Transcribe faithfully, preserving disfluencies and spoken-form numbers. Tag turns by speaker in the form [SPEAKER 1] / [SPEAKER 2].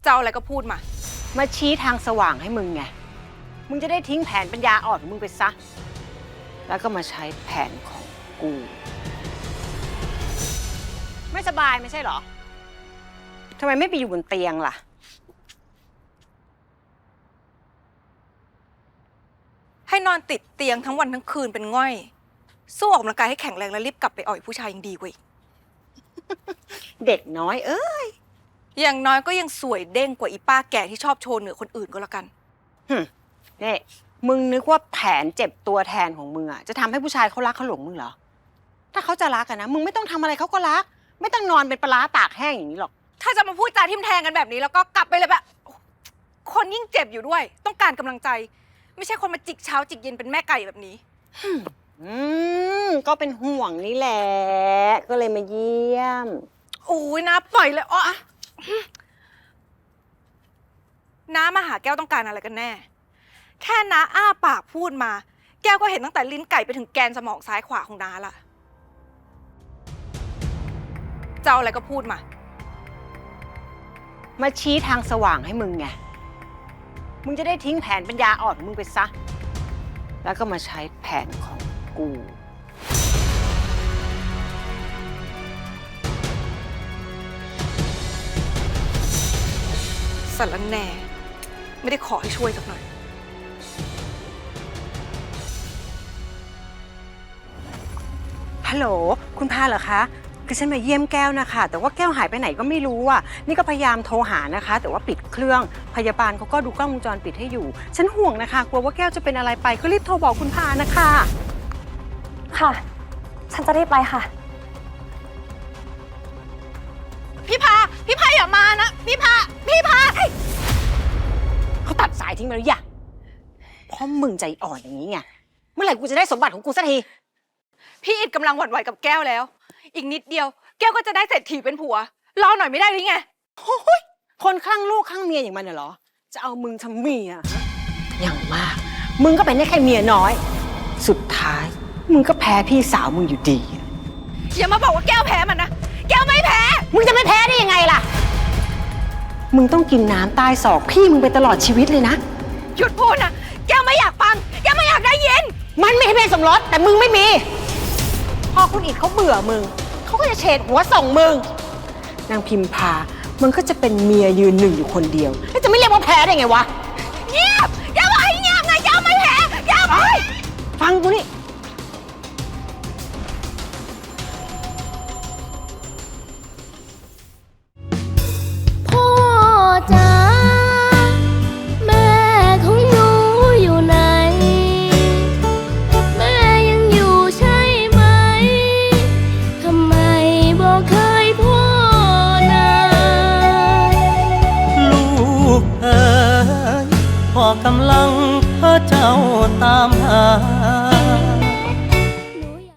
[SPEAKER 1] จะเอาอะไรก็พูดมา
[SPEAKER 2] มาชี้ทางสว่างให้มึงไงมึงจะได้ทิ้งแผนปัญญาอ่อนของมึงไปซะแล้วก็มาใช้แผนของกูไม่สบายไม่ใช่เหรอทำไมไม่ไปอยู่บนเตียงล่ะ
[SPEAKER 1] ให้นอนติดเตียงทั้งวันทั้งคืนเป็นง่อยสู้ออกกำลังกายให้แข็งแรงแล้วรีบกลับไปอ่อยผู้ชายยังดีกว่าอีก
[SPEAKER 2] เด็กน้อยเอ้ย
[SPEAKER 1] อย่างน้อยก็ยังสวยเด้งกว่าอีป้าแก่ที่ชอบโชว์เหนือคนอื่นก็แล้วกัน
[SPEAKER 2] ฮึนี่มึงนึกว่าแผนเจ็บตัวแทนของมึงอะจะทำให้ผู้ชายเขารักเขาหลงมึงเหรอถ้าเขาจะรักกันนะมึงไม่ต้องทำอะไรเขาก็รักไม่ต้องนอนเป็นปลาตากแห้งอย่างนี้หรอก
[SPEAKER 1] ถ้าจะมาพูดจาทิมแทงกันแบบนี้แล้วก็กลับไปเลยแบบคนยิ่งเจ็บอยู่ด้วยต้องการกำลังใจไม่ใช่คนมาจิกเช้าจิกเย็นเป็นแม่ไก่แบบนี้
[SPEAKER 2] อืมก็เป็นห่วงนี่แหละก็เลยมาเยี่ยม
[SPEAKER 1] โอ้ยนะปล่อยเลยอ๋อน้ามาหาแก้วต้องการอะไรกันแน่แค่น้าอ้าปากพูดมาแก้วก็เห็นตั้งแต่ลิ้นไก่ไปถึงแกนสมองซ้ายขวาของน้าละจะเอาอะไรก็พูดมา
[SPEAKER 2] มาชี้ทางสว่างให้มึงไงมึงจะได้ทิ้งแผนปัญญาอ่อนของมึงไปซะแล้วก็มาใช้แผนของกู
[SPEAKER 1] สารแหน่ไม่ได้ขอให้ช่วยสักหน่อย
[SPEAKER 2] ฮัลโหลคุณพาเหรอคะคือฉันมาเยี่ยมแก้วนะคะแต่ว่าแก้วหายไปไหนก็ไม่รู้อ่ะนี่ก็พยายามโทรหานะคะแต่ว่าปิดเครื่องพยาบาลเขาก็ดูกล้องวงจรปิดให้อยู่ฉันห่วงนะคะกลัวว่าแก้วจะเป็นอะไรไปก็รีบโทรบอกคุณพานะคะ
[SPEAKER 3] ค่ะฉันจะรีบไปค่ะ
[SPEAKER 1] พี่พาพี่พาอย่ามานะพี่พาพี่พา
[SPEAKER 2] เขาตัดสายทิ้งไปหรือยังเพราะมึงใจอ่อนอย่างนี้ไงเมื่อไหร่กูจะได้สมบัติของกูสักที
[SPEAKER 1] พี่อิดกำลังหวั่นไหวกับแก้วแล้วอีกนิดเดียวแก้วก็จะได้เศรษฐีเป็นผัวรอหน่อยไม่ได้หรือไง
[SPEAKER 2] โอ้ยคนคลั่งลูกคลั่งเมียอย่างมันเหรอจะเอามึงทำเมียอย่างมากมึงก็เป็นได้แค่เมียน้อยสุดท้ายมึงก็แพ้พี่สาวมึงอยู่ดี
[SPEAKER 1] อย่ามาบอกว่าแก้วแพ้มันนะแก้วไม่แพ้
[SPEAKER 2] มึงจะไม่แพ้ได้ยังไงล่ะมึงต้องกินน้ำใต้ศอกพี่มึงไปตลอดชีวิตเลยนะ
[SPEAKER 1] หยุดพูดนะแก้วไม่อยากฟังแก้วไม่อยากได้ยิน
[SPEAKER 2] มันไม่ให้เป็นสมรสแต่มึงไม่มีพอคุณอิดเขาเบื่อมึงเขาก็จะเฉดหัวส่งมึงนางพิมพามึงก็จะเป็นเมียยืนหนึ่งอยู่คนเดียวแล้วจะไม่เรียกว่าแพ้ได้ไงวะ
[SPEAKER 1] เงียบแก้วบอกให้เงียบไงแก้วไม่แพ้แก้วไม่
[SPEAKER 2] ฟังกูนี่
[SPEAKER 4] พ่อกำลังเพ้อเจ้าตามหา